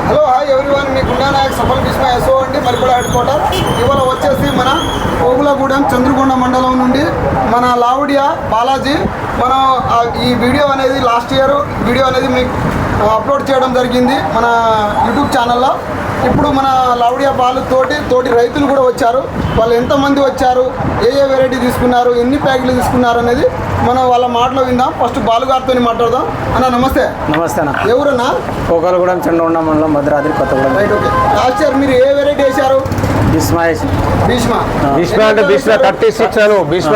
Hello hi everyone, మీ గుండా Naik సఫల్ Bhishma S O అండి, మరిపడ head quarter. ఇవాళ వచ్చేసి మన కోగులగూడెం చంద్రకొండ మండలం నుండి మన లావుడియా బాలాజీ మనం ఈ వీడియో అనేది లాస్ట్ ఇయర్ వీడియో అనేది మీకు అప్లోడ్ చేయడం జరిగింది మన యూట్యూబ్ ఛానల్లో. ఇప్పుడు మన లావుడియా బాలు తోటి రైతులు కూడా వచ్చారు. వాళ్ళు ఎంతమంది వచ్చారు, ఏ వెరైటీ తీసుకున్నారు, ఎన్ని ప్యాకెట్లు తీసుకున్నారు అనేది మనం వాళ్ళ మాటలో విందాం. ఫస్ట్ బాలు గారితో మాట్లాడదాం. అన్న నమస్తే. నమస్తే అన్న. ఎవరన్నా? కోకలగూడెం చంద్రకొండ మండలం Bhadradri Kothagudem. Right, okay. Last year మీరు ఏ వెరైటీ వేశారు? భీష్మ అంటే భీష్మ 36 అను భీష్మ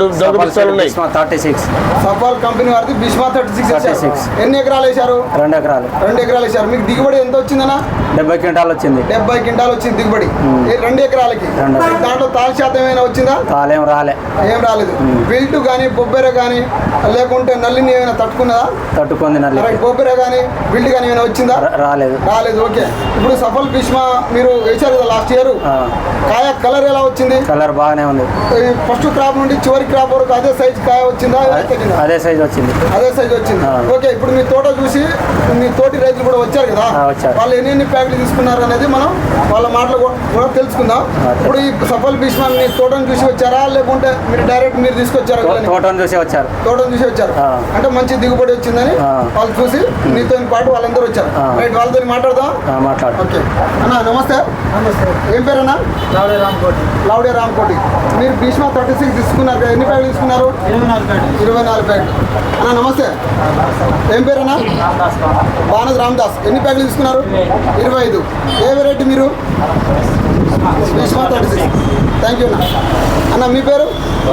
36 సఫాల్ కంపెనీ వారిది భీష్మ 36. ఎన్ని ఎకరాలు వేశారు? 2 ఎకరాలు. 2 ఎకరాలు వేశారు. మీకు దిగుబడి ఎంత వచ్చిందన్నా? 70 క్వింటాలు వచ్చింది. 70 క్వింటాలు వచ్చింది దిగుబడి 2 ఎకరాలకి. దాంట్లో తాల్ శాతం ఏమైనా వచ్చిందా? తాలేం ఏం రాలేదు. బిల్టు కానీ బొబ్బెర కానీ లేకుంటే నల్లిని ఏమైనా తట్టుకుంది నల్లి. బొబ్బెర కానీ బిల్ట్ కానీ ఏమైనా వచ్చిందా? రాలేదు. ఓకే. ఇప్పుడు సఫల్ భీష్మ మీరు వేశారు కదా లాస్ట్ ఇయర్, కాయ కలర్ ఎలా వచ్చింది? కలర్ బాగానే ఉంది. ఫస్ట్ క్రాప్ నుండి చివరి క్రాప్ వరకు అదే సైజ్ కాయ వచ్చిందా? అదే సైజ్ వచ్చింది. ఓకే. ఇప్పుడు మీ తోట చూసి మీ తోటి రైతులు కూడా వచ్చారు కదా, వాళ్ళు ఎన్ని ప్యాకెట్లు తీసుకున్నారు అనేది మనం వాళ్ళ మాటలు కూడా తెలుసుకుందాం. ఇప్పుడు ఈ సఫల్ భీష్మ మీ తోటను చూసి వచ్చారా లేకుంటే మీరు డైరెక్ట్ మీరు తీసుకొచ్చారా? తోటను చూసి వచ్చారు. అంటే మంచి దిగుబడి వచ్చిందని వాళ్ళు చూసి మీతో పాటు వాళ్ళందరూ వచ్చారు. రైట్, వాళ్ళతో మాట్లాడదాం. ఓకే అన్న నమస్తే. ఏం పేరన్నా? లావుడియా రామకోటి. మీరు భీష్మ 36 తీసుకున్నారు కదా, ఎన్ని ప్యాకెట్లు తీసుకున్నారు? 24 ప్యాకెట్లు. అన్న నమస్తే. ఏం పేరన్నా? బానద్ రామదాస్. ఎన్ని ప్యాకెట్లు తీసుకున్నారు? 25. ఏ వెరైటీ మీరు? భీష్మ 36. థ్యాంక్ యూ అన్న. మీ పేరు?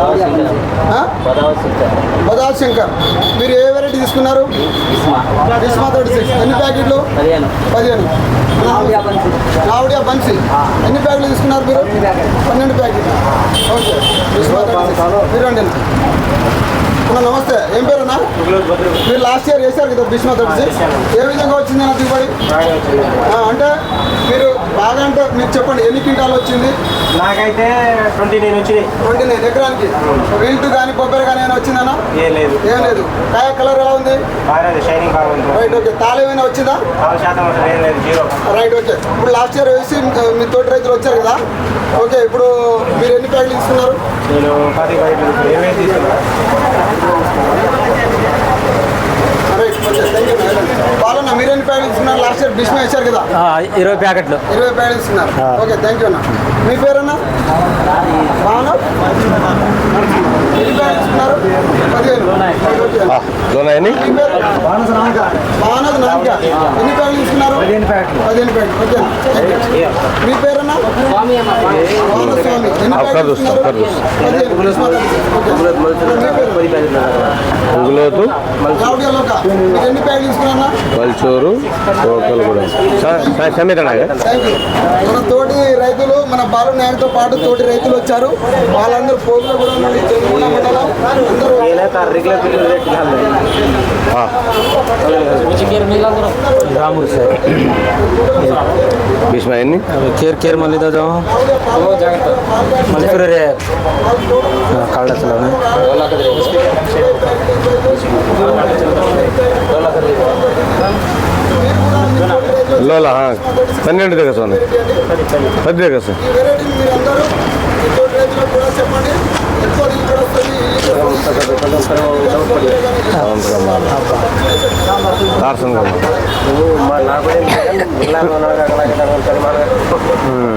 బదాల్ శంకర్. మీరు ఏ వెరైటీ తీసుకున్నారు? భీష్మ 36. ఎన్ని ప్యాకెట్లు? 15. లావుడియా బన్సీ. ఎన్ని ప్యాకెట్లు తీసుకున్నారు మీరు? 12 ప్యాకెట్లు. ఓకే. భీష్మ 36. మీరు అండి. నమస్తే. ఏం పేరున్నా? మీరు లాస్ట్ ఇయర్ వేశారు కదా భీష్మ 36. ఏ విధంగా వచ్చింది నా దిగుబడి? అంటే మీరు బాగా అంటే మీరు చెప్పండి, ఎన్ని క్వింటాలు వచ్చింది? నాకైతే 29 వచ్చింది. 29 ఎకరానికి. వీల్టు కానీ బొబ్బెర కానీ ఏమైనా వచ్చిందన్నా? ఏం లేదు. కాయ కలర్ ఎలా ఉంది? షైనింగ్ బాగుంది. Right, okay. తాళ ఏమైనా వచ్చిందా? Right, okay. ఇప్పుడు లాస్ట్ ఇయర్ వేసి మీ తోటి రైతులు వచ్చారు కదా, ఓకే. ఇప్పుడు మీరు ఎన్ని ప్యాకెట్లు తీసుకున్నారు? నేను 10 ప్యాకెట్లు తీసుకున్నాను. బాలన్న మీరు ఎన్ని ప్యాకెట్లు తీసుకున్నారు? లాస్ట్ ఇయర్ భీష్మ వేశారు కదా, 20 ప్యాకెట్లు. 20 ప్యాకెట్లు తీసుకున్నారు. ఓకే, థ్యాంక్ యూ అన్న. మీ పేరన్నా? బాను. ఎన్ని ప్యాకెట్లు తీసుకున్నారు? 15. బానద్ నామిక. ఎన్ని ప్యాకెట్లు తీసుకున్నారు? 15 ప్యాకెట్లు. ఓకే. మీ పేరన్నా? స్వామి. ఎన్ని ప్యాకెట్లు తీసుకున్నారు? 15. లావుడియాలోక. మీరు ఎన్ని ప్యాకెట్లు తీసుకున్నారా? పల్చూరు కోకలగూడెం. మన తోటి రైతులు మన బాలు నాయకుతో పాటు తోటి రైతులు వచ్చారు. వాళ్ళందరూ కోగులగూడెం నుండి చంద్రకొండ మండలం అందరూ. रामू से बीच में नहीं केर मल्ली दो जाओ मल्ली रे काला चलाने लोला हाँ 12 देगा सोने 10 देगा सर దార్శనం